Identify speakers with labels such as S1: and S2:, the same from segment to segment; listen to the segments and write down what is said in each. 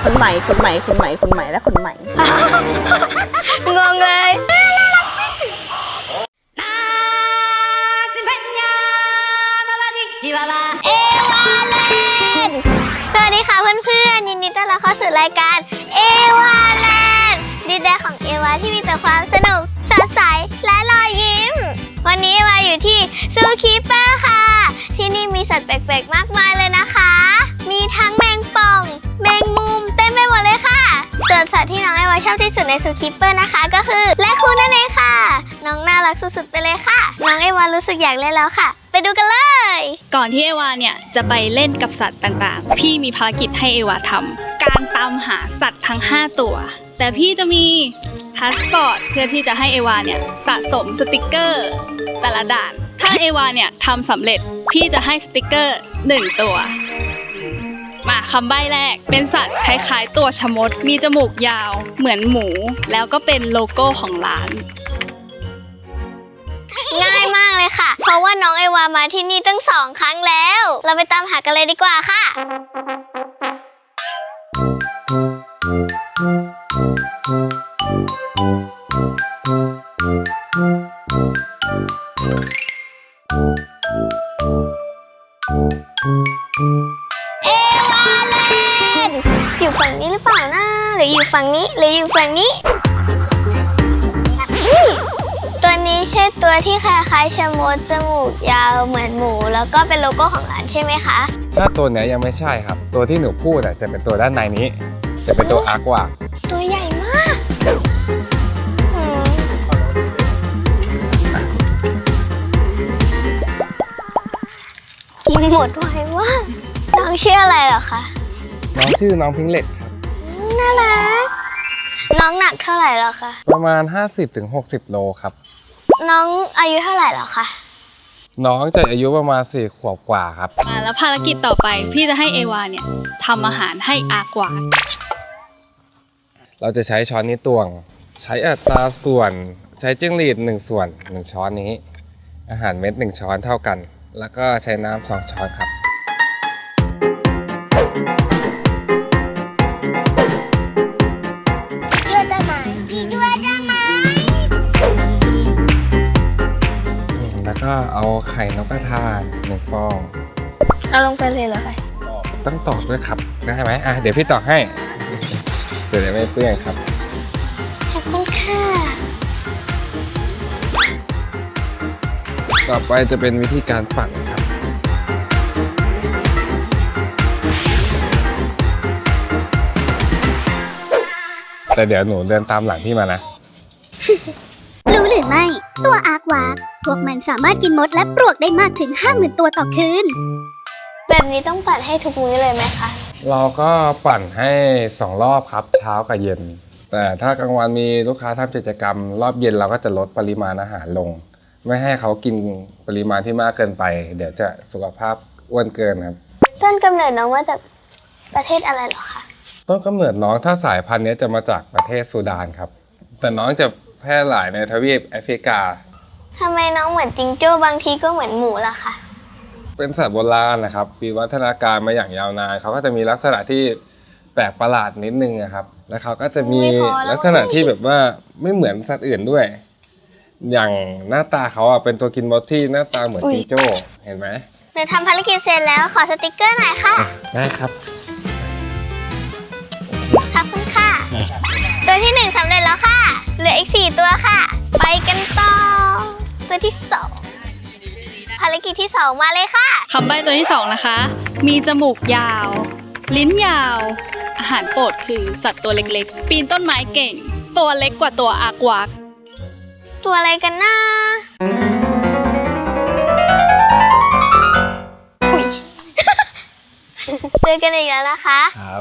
S1: คนใหม่และคนใหม่
S2: งงเลยเอวาเลนสวัสดีค่ะเพื่อนๆยินดีต้อนรับเข้าสู่รายการเอวาเลนดินแดนของเอวาที่มีแต่ความสนุกสดใสและรอยยิ้มวันนี้เอวาอยู่ที่ซูคีเปอร์ค่ะที่นี่มีสัตว์แปลกๆมากมายเลยนะคะมีทั้งแมงป่องแมงมุมเต็มไปหมดเลยค่ะส่วนสัตว์ที่น้องเอวาชอบที่สุดในซูคีเปอร์นะคะก็คือแรคคูนนั่นเองค่ะน้องน่ารักสุดๆไปเลยค่ะน้องเอวารู้สึกอยากเล่นแล้วค่ะไปดูกันเลย
S3: ก่อนที่เอวาเนี่ยจะไปเล่นกับสัตว์ต่างๆพี่มีภารกิจให้เอวาทำการตามหาสัตว์ทั้ง5ตัวแต่พี่จะมีพาสปอร์ตเพื่อที่จะให้เอวาเนี่ยสะสมสติกเกอร์แต่ละด่านถ้าเอวาเนี่ยทำสำเร็จพี่จะให้สติกเกอร์1ตัวมาคำใบ้แรกเป็นสัตว์คล้ายๆตัวชะมดมีจมูกยาวเหมือนหมูแล้วก็เป็นโลโก้ของร้าน
S2: ง่ายมากเลยค่ะเพราะว่าน้องเอวามาที่นี่ตั้ง2 ครั้งแล้วเราไปตามหากันเลยดีกว่าค่ะเอวาเลนอยู่ฝั่งนี้หรือเปล่านะหรืออยู่ฝั่งนี้หรืออยู่ฝั่งนี้ตัวนี้ใช่ตัวที่คล้ายๆชะมดจมูกยาวเหมือนหมูแล้วก็เป็นโลโก้ของร้านใช่ไหมคะ
S4: ถ้าตัวเนี้ยยังไม่ใช่ครับตัวที่หนูพูดจะเป็นตัวด้านในนี้จะเป็นตัวอาร์กว่า
S2: ตัวใหญ่มากกินหมดไวมากน้องชื่ออะไรเหรอคะ
S4: น้องชื่อน้องพิงเล็กครับ
S2: น่ารักน้องหนักเท่าไหร่เหรอคะ
S4: ประมาณ 50-60 โลครับ
S2: น้องอายุเท่าไหร่เหรอคะ
S4: น้องจะอายุประมาณ4 ขวบกว่าครับ
S3: มาแล้วภารกิจต่อไปพี่จะให้เอวาเนี่ยทำอาหารให้อากวา
S4: เราจะใช้ช้อนนี้ตวงใช้อัตราส่วนใช้จิ้งหรีด1 ส่วน1 ช้อนนี้อาหารเม็ด1 ช้อนเท่ากันแล้วก็ใช้น้ำ2 ช้อนครับแล้วก็เอาไข่นกกระทา1 ฟอง
S2: เอาลงไปเลยเหรอคะ
S4: ต้องตอกด้วยครับได้ไหมเดี๋ยวพี่ตอกให้จะได้ไม่เปื้อนครับ
S2: ขอบคุณค่ะ
S4: ต่อไปจะเป็นวิธีการปั่นครับแต่เดี๋ยวหนูเดินตามหลังพี่มานะ
S5: รู้หรือไม่ตัวอาร์กวาร์กพวกมันสามารถกินมดและปลวกได้มากถึง 50,000 ตัวต่อคืน
S2: แบบนี้ต้องปั่นให้ทุกมื้อเลยไหมคะ
S4: เราก็ปั่นให้2 รอบครับเช้ากับเย็นแต่ถ้ากลางวันมีลูกค้าทำกิจกรรมรอบเย็นเราก็จะลดปริมาณอาหารลงไม่ให้เขากินปริมาณที่มากเกินไปเดี๋ยวจะสุขภาพอ้วนเกินครับ
S2: ต้นกำเนิดน้องมาจากประเทศอะไรเหรอคะ
S4: ต้นกำเนิดน้องถ้าสายพันธุ์นี้จะมาจากประเทศซูดานครับแต่น้องจะแพร่หลายในทวีปแอฟริกา
S2: ทำไมน้องเหมือนจิงโจ้บางทีก็เหมือนหมูล่ะคะ
S4: เป็นสัตว์โบราณนะครับมีวัฒนาการมาอย่างยาวนานเขาก็จะมีลักษณะที่แปลกประหลาดนิดนึงนะครับแล้วเขาก็จะมีลักษณะที่แบบว่าไม่เหมือนสัตว์อื่นด้วยอย่างหน้าตาเขาเป็นตัวกินมดที่หน้าตาเหมือนจิงโจ้เห็นไหม
S2: หนูทำภารกิจเสร็จแล้วขอสติกเกอร์หน่อยค่ะ
S4: ได้ครับ
S2: ขอบคุณค่ะตัวที่1สำเร็จแล้วค่ะเหลืออีก4 ตัวค่ะไปกันต่อตัวที่2ภารกิจที่2มาเลยค่ะ
S3: คำใบ้ตัวที่2นะคะมีจมูกยาวลิ้นยาวอาหารโปรดคือสัตว์ตัวเล็กๆปีนต้นไม้เก่งตัวเล็กกว่าตัวอาร์กวาร์ก
S2: ตัวอะไรกันนะอุ๊ย เจอกันอีกแล้วนะคะ
S4: ครับ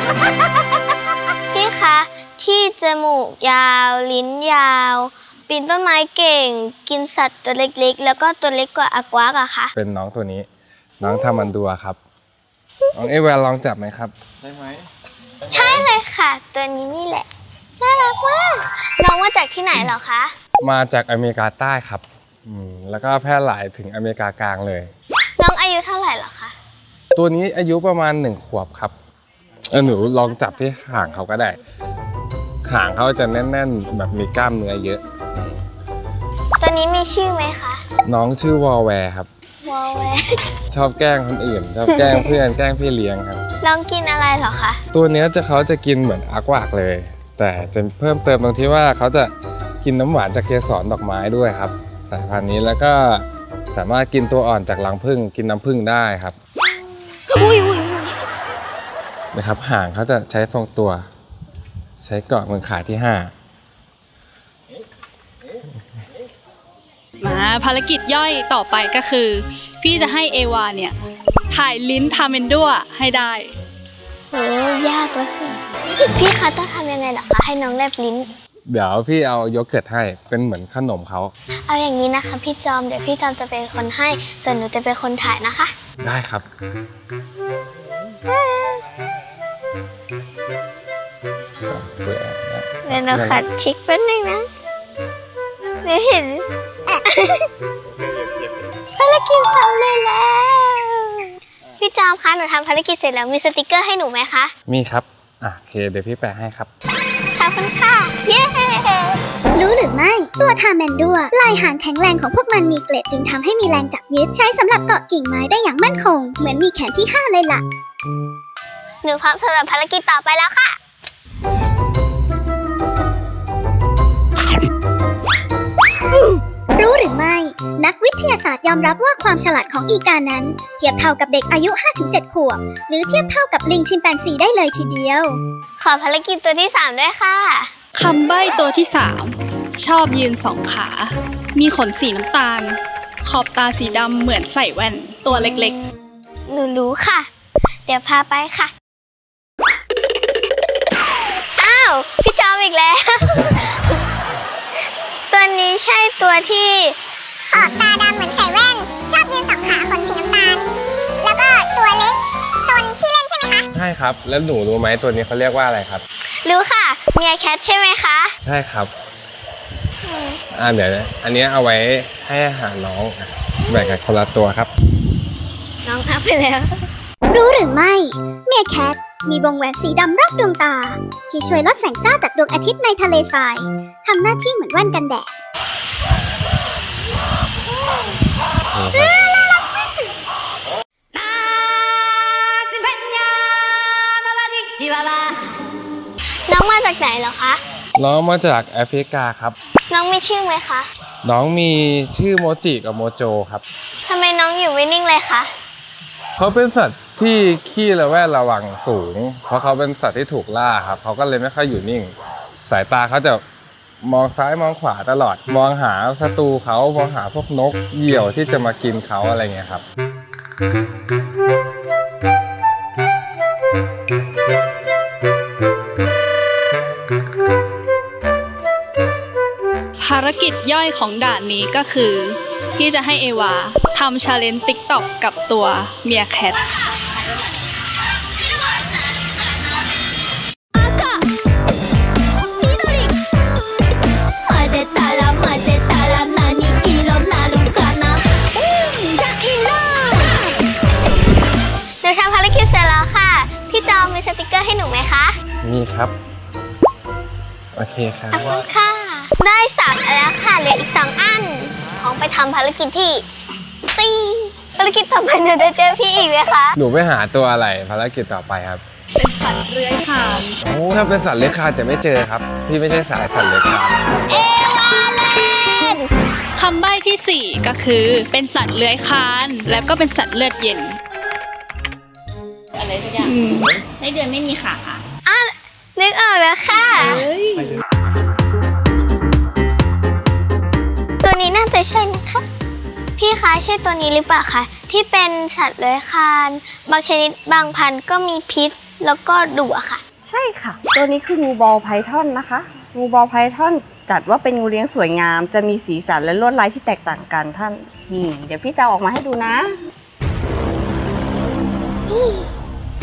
S2: พี่คะที่จมูกยาวลิ้นยาวปีนต้นไม้เก่งกินสัตว์ตัวเล็กๆแล้วก็ตัวเล็กกว่าอากวากอะคะ
S4: เป็นน้องตัวนี้น้องทามันดัวครับน้องเอวาลองจับไหมครับใช่ไหม
S2: ใช่เลยค่ะตัวนี้นี่แหละน่ารักมากน้องมาจากที่ไหนเหรอคะ
S4: มาจากอเมริกาใต้ครับแล้วก็แพร่หลายถึงอเมริกากลางเลย
S2: น้องอายุเท่าไหร่เหรอคะ
S4: ตัวนี้อายุประมาณ1 ขวบครับหนูลองจับที่หางเขาก็ได้หางเขาจะแน่นๆแบบมีกล้ามเนื้อเยอะ
S2: ตัวนี้มีชื่อไหมคะ
S4: น้องชื่อวอลแวร์ครับ
S2: วอลแวร์
S4: ชอบแกล้งคนอื่น ชอบแกล้งเพื่อนแกล้งพี่เลี้ยงครับ
S2: น้องกินอะไรเหรอคะ
S4: ตัวเนี้ยเขาจะกินเหมือนอากวากเลย แต่จะเพิ่มเติมตรงที่ว่าเขาจะกินน้ำหวานจากเกสรดอกไม้ด้วยครับ สายพันธุ์นี้แล้วก็สามารถกินตัวอ่อนจากรังผึ้งกินน้ำผึ้งได้ครับ
S2: อุ้ย
S4: นะครับหางเขาจะใช้ทรงตัว ใช้เกาะมือขาที่ 5
S3: มาภารกิจย่อยต่อไปก็คือ พี่จะให้เอวาเนี่ยถ่ายลิ้นทาเมนดัวให้ได้
S2: โหยากแล้วสิ พี่คะต้องทำยังไงเหรอคะให้น้องแลบลิ้น
S4: เดี๋ยวพี่เอาโยเกิร์ตให้เป็นเหมือนขนมเขา
S2: เอาอย่างนี้นะคะพี่จอมเดี๋ยวพี่จอมจะเป็นคนให้ส่วนหนูจะเป็นคนถ่ายนะคะ
S4: ได้ครับ
S2: เดี๋ยวเราขัดชิคแป๊บนึงนะไม่เห็น ภารกิจสำเร็จแล้วพี่จอมคะหนูทำภารกิจเสร็จแล้วมีสติกเกอร์ให้หนูไหมคะ
S4: มีครับโอเคเดี๋ยวพี่แปะให้ครับ
S2: ขอบคุณค่ะ เย้
S5: รู้หรือไม่ ตัวทาแมนดัวลายหางแข็งแรงของพวกมันมีเกล็ดจึงทำให้มีแรงจับยึดใช้สำหรับเกาะกิ่งไม้ได้อย่างมั่นคง เหมือนมีแขนที่ 5 เลยล่ะ
S2: หนูพร้อมสำหรับภารกิจต่อไปแล้วค่ะ
S5: รู้หรือไม่ นักวิทยาศาสตร์ยอมรับว่าความฉลาดของอีกานั้น เทียบเท่ากับเด็กอายุ 5-7 ขวบ หรือเทียบเท่ากับลิงชิมแปนซีได้เลยทีเดียว
S2: ขอภารกิจตัวที่ 3 ด้วยค่ะ
S3: คำใบ้ตัวที่ 3 ชอบยืนสองขา มีขนสีน้ำตาล ขอบตาสีดำเหมือนใส่แว่นตัวเล็ก
S2: หนูรู้ค่ะ เดี๋ยวพาไปค่ะ อ้าว พี่จอมอีกแล้ว ตัวนี้ใช่ตัวที่
S5: ขอบตาดำเหมือนใส่แว่น ชอบยืนสองขาขนสีน้ำตาล แล้วก็ตัวเล็กซนขี้เล่นใช่ไหมคะ
S4: ใช่ครับ แล้วหนูรู้ไหมตัวนี้เขาเรียกว่าอะไรครับ
S2: รู้ค่ะ เมียแคทใช่ไหมคะ
S4: ใช่ครับเดี๋ยวอันนี้เอาไว้ให้อาหารน้องแบ่งกันคนละตัวครับ
S2: น้องนับไปแล้ว
S5: รู้หรือไม่ เมียแคทมีวงแหวนสีดำรอบดวงตา ที่ช่วยลดแสงจ้าจากดวงอาทิตย์ในทะเลทรายทำหน้าที่เหมือนแว่นกันแดด
S2: น้องมาจากไหนเหรอคะ
S4: น้องมาจากแอฟริกาครับ
S2: น้องมีชื่อไหมคะ
S4: น้องมีชื่อโมจิกับโมโจครับ
S2: ทำไมน้องอยู่ไม่นิ่งเลยคะ
S4: เขาเป็นสัตว์ที่ขี้ระแวดระวังสูง เพราะเขาเป็นสัตว์ที่ถูกล่าครับเขาก็เลยไม่ค่อยอยู่นิ่ง สายตาเขาจะมองซ้ายมองขวาตลอด มองหาศัตรูเขามองหาพวกนกเหยี่ยวที่จะมากินเขาอะไรเงี้ยครับ
S3: ๆ ภารกิจย่อยของด่านนี้ก็คือ พี่จะให้เอวาทำชาเลนจ์ติ๊กต็อกกับตัวเมียแคท
S2: หนูทำภารกิจเสร็จแล้วค่ะ พี่จอมมีสติกเกอร์ให้หนูไหมคะ
S4: นี่ครับ โอเคครับ
S2: ขอบคุณค่ะ ได้3อันแล้วค่ะเหลืออีก2อันของไปทำภารกิจที่4ภารกิจต่อไปหนูจะเจอพี่อีกไหมคะ
S4: หนูไปหาตัวอะไรภารกิจต่อไปครับ
S3: เป็นสัตว์เลื้อยคลาน
S4: โอ้ถ้าเป็นสัตว์เลื้อยคลานจะไม่เจอครับ พี่ไม่ใช่สายสัตว์เลื้อยคลาน
S2: เอวาเลน
S3: คำใบ้ที่ 4 ก็คือเป็นสัตว์เลื้อยคลานแล้วก็เป็นสัตว์เลือดเย็น
S1: อะไรสักอย่างให้เดือนไม่มีขา
S2: นึกออกแล้วค่ะ ตัวนี้น่าจะใช่นะคะ พี่คะใช่ตัวนี้หรือเปล่าคะที่เป็นสัตว์เลื้อยคลานบางชนิดบางพันธุ์ก็มีพิษแล้วก็ดุอะค่ะ
S6: ใช่ค่ะ ตัวนี้คืองูบอลไพทอนนะคะ งูบอลไพทอนจัดว่าเป็นงูเลี้ยงสวยงาม จะมีสีสันและลวดลายที่แตกต่างกันท่านเดี๋ยวพี่จะเอาออกมาให้ดูนะ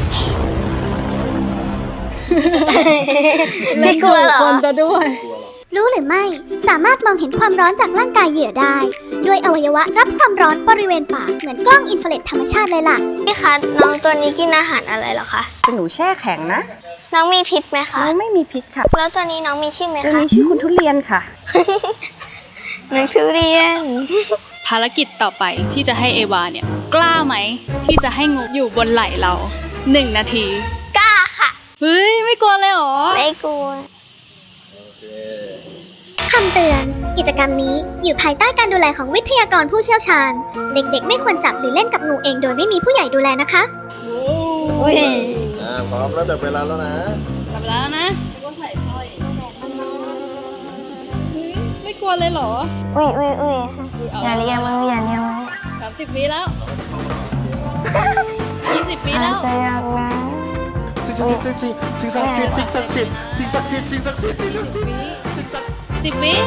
S2: ไม่กลัวเหรอ
S3: คนจะด้วย
S5: รู้หรือไม่ สามารถมองเห็นความร้อนจากร่างกายเหยื่อได้ ด้วยอวัยวะรับความร้อนบริเวณปากเหมือนกล้องอินฟราเรดธรรมชาติเลยล่ะ
S2: พี่คะน้องตัวนี้กินอาหารอะไรเหรอคะ
S6: เป็นหนูแช่แข็งนะ
S2: น้องมีพิษไหมคะ
S6: น้องไม่มีพิษค่ะ
S2: แล้วตัวนี้น้องมีชื่อไหม
S6: ตัว
S2: คะ
S6: นี้ชื่อคุณทุเรียนค่ะ
S2: น้องทุเรียน
S3: ภารกิจต่อไปที่จะให้เอวาเนี่ย กล้าไหมที่จะให้งูอยู่บนไหล่เรา 1 นาที
S2: กล้าค่ะ
S3: เฮ้ย ไม่กลัวเลยเหรอ
S2: ไม่กลัว
S5: คำเตือน กิจกรรมนี้อยู่ภายใต้การดูแลของวิทยากรผู้เชี่ยวชาญ เด็กๆ ไม่ควรจับหรือเล่นกับงูเองโดยไม่มีผู้ใหญ่ดูแลนะคะ
S2: อุ้ย
S7: พร้อมแล้วจับเวลาแล้วนะ
S3: จับแล้วนะแล้วก็ใส่สร้อยเฮ้ยไม่กลัวเลยเหรอ
S2: อุ้ย
S3: เอา
S2: อย่าเรียกมันอย่าเรียกมัน
S3: 30 วิแล้ว20 วิแล้ว
S2: จะยังนะ
S7: สิ่งศักดิ์สิทธิ์สิ่งศักดิ์สิทธิ์สิ่งศักดิ์สิทธิ์สิ่งศักดิ์สิทธิ์สิ่งศักดิ์สิทธิ์สิ่งศักดิ์สิทธิ์สิ่งศักดิ์สิทธิ์
S3: 10 วิ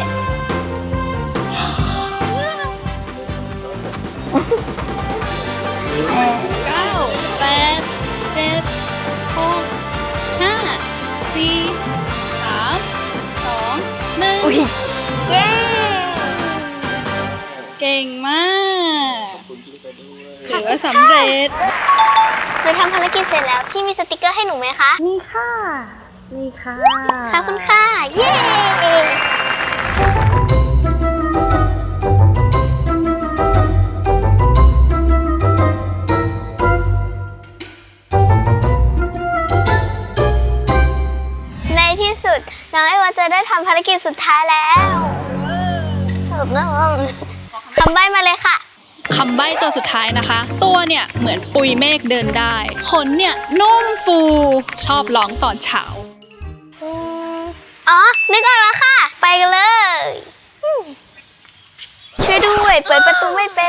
S3: เก้าแปดเจ็ดหกห้าสี่สามสองหนึ่ง
S2: เย้
S3: เก่งมากถือว่าสำเร็จ
S2: หนูทำภารกิจเสร็จแล้ว พี่มีสติกเกอร์ให้หนูไหมคะ
S6: นี่ค่ะ นี่ค่ะ
S2: ขอบคุณค่ะ เย้ ในที่สุด น้องไอวาจะได้ทำภารกิจสุดท้ายแล้วคำใบ้มาเลยค่ะ
S3: คำใบ้ตัวสุดท้ายนะคะ ตัวเนี่ยเหมือนปุยเมฆเดินได้ ขนเนี่ยนุ่มฟู ชอบร้องตอนเช้า
S2: อ๋อ นึกออกแล้วค่ะ ไปกันเลยช่วยด้วย เปิดประตูไม่เป็น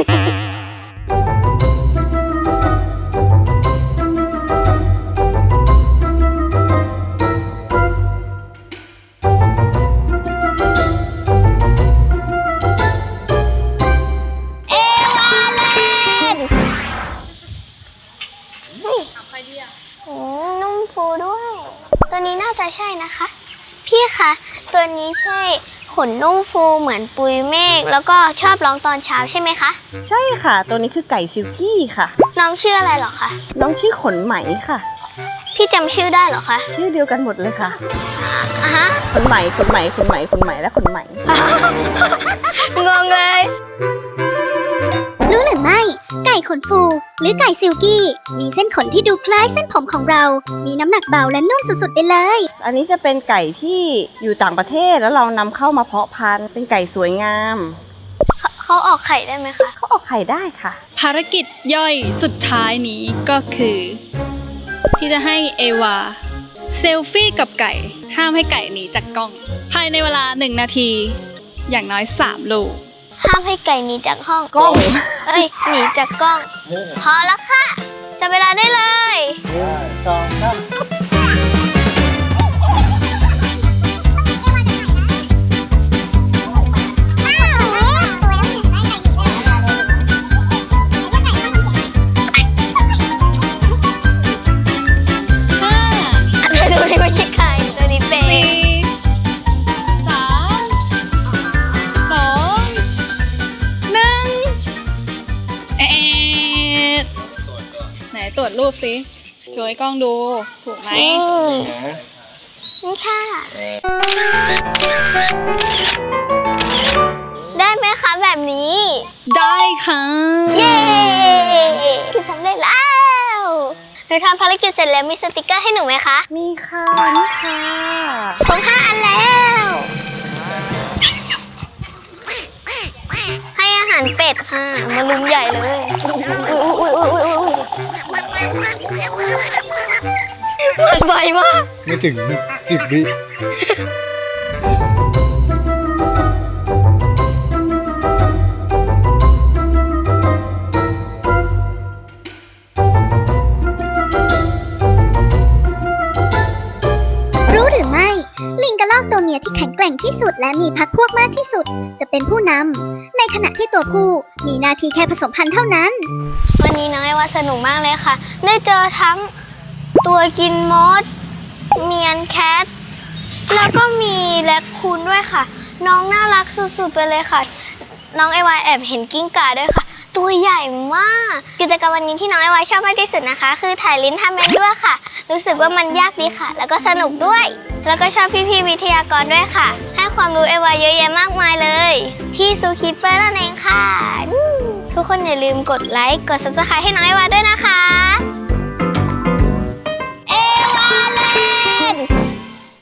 S2: เอวาเลนนุ่มฟูด้วย ตัวนี้น่าจะใช่นะคะ พี่คะ ตัวนี้ใช่ขนนุ่มฟูเหมือนปุยเมฆแล้วก็ชอบร้องตอนเช้าใช่ไหมคะ
S6: ใช่ค่ะ ตัวนี้คือไก่ซิลกี้ค่ะ
S2: น้องชื่ออะไรเหรอคะ
S6: น้องชื่อขนไหมค่ะ
S2: พี่จำชื่อได้เหรอคะ
S6: ชื่อเดียวกันหมดเลยค่ะ
S2: อ่ะฮะ
S6: ขนไหมขนไหมขนไหมขนไหมและขนไหม
S2: งงเลย
S5: รู้หรือไม่ ไก่ขนฟู หรือไก่ซิลกี้ มีเส้นขนที่ดูคล้ายเส้นผมของเรา มีน้ำหนักเบาและนุ่มสุดๆไปเลย
S6: อันนี้จะเป็นไก่ที่อยู่ต่างประเทศแล้วเรานำเข้ามาเพาะพันธุ์เป็นไก่สวยงาม
S2: เขาออกไข่ได้ไหมคะ
S6: เขาออกไข่ได้ค่ะ
S3: ภารกิจย่อยสุดท้ายนี้ก็คือ ที่จะให้เอวาเซลฟี่กับไก่ ห้ามให้ไก่หนีจากกล้อง ภายในเวลา 1 นาที อย่างน้อย 3 ลูก
S2: ห้ามให้ไก่หนีจากห้อง
S6: กล้อง
S2: เอ้ย หนีจากกล้อง พอแล้วค่ะจับเวลาได้เลย
S7: สองสาม
S3: 5
S2: แต่ตัวนี้ไม่ใช่ไข่ตัวนี้เป็น
S3: 4 3 2 1ไหนตรวจรูปสิโชว์ให้กล้องดู ถูกไหม
S2: นี่ค่ะ ได้ไหมคะแบบนี้
S3: ได้ค่ะ
S2: เย้คือสำเร็จแล้วหนูทำภารกิจเสร็จแล้วมีสติกเกอร์ให้หนูไหมคะ
S6: มีค่ะนี่ค่ะ
S2: ผม5 อันแล้ว ให้อาหารเป็ดค่ะ มาลุมใหญ่เลยมันไวมาก
S7: ไม่ถึง10 วิ
S5: รู้หรือไม่ ลิงกระรอกตัวเมียที่แข็งแกร่งที่สุดและมีพรรคพวกมากที่สุด จะเป็นผู้นำ ในขณะที่ตัวผู้มีหน้าที่แค่ผสมพันธุ์เท่านั้น
S2: วันนี้น้องไอว่าสนุกมากเลยค่ะ ได้เจอทั้งตัวกินมด เมียนแคท แล้วก็มีแรคคูคูณด้วยค่ะ น้องน่ารักสุดๆไปเลยค่ะ น้องเอวาแอบเห็นกิ้งก่าด้วยค่ะ ตัวใหญ่มากกิจกรรมวันนี้ที่น้องเอวาชอบมากที่สุดนะคะ คือถ่ายลิ้นทำเองด้วยค่ะ รู้สึกว่ามันยากดีค่ะ แล้วก็สนุกด้วย แล้วก็ชอบพี่ๆวิทยากรด้วยค่ะ ให้ความรู้เอวาเยอะแยะมากมายเลย ที่ซูคิปเปอร์นั่นเองค่ะทุกคนอย่าลืมกดไลค์กด Subscribe ให้น้องเอวาด้วยนะคะ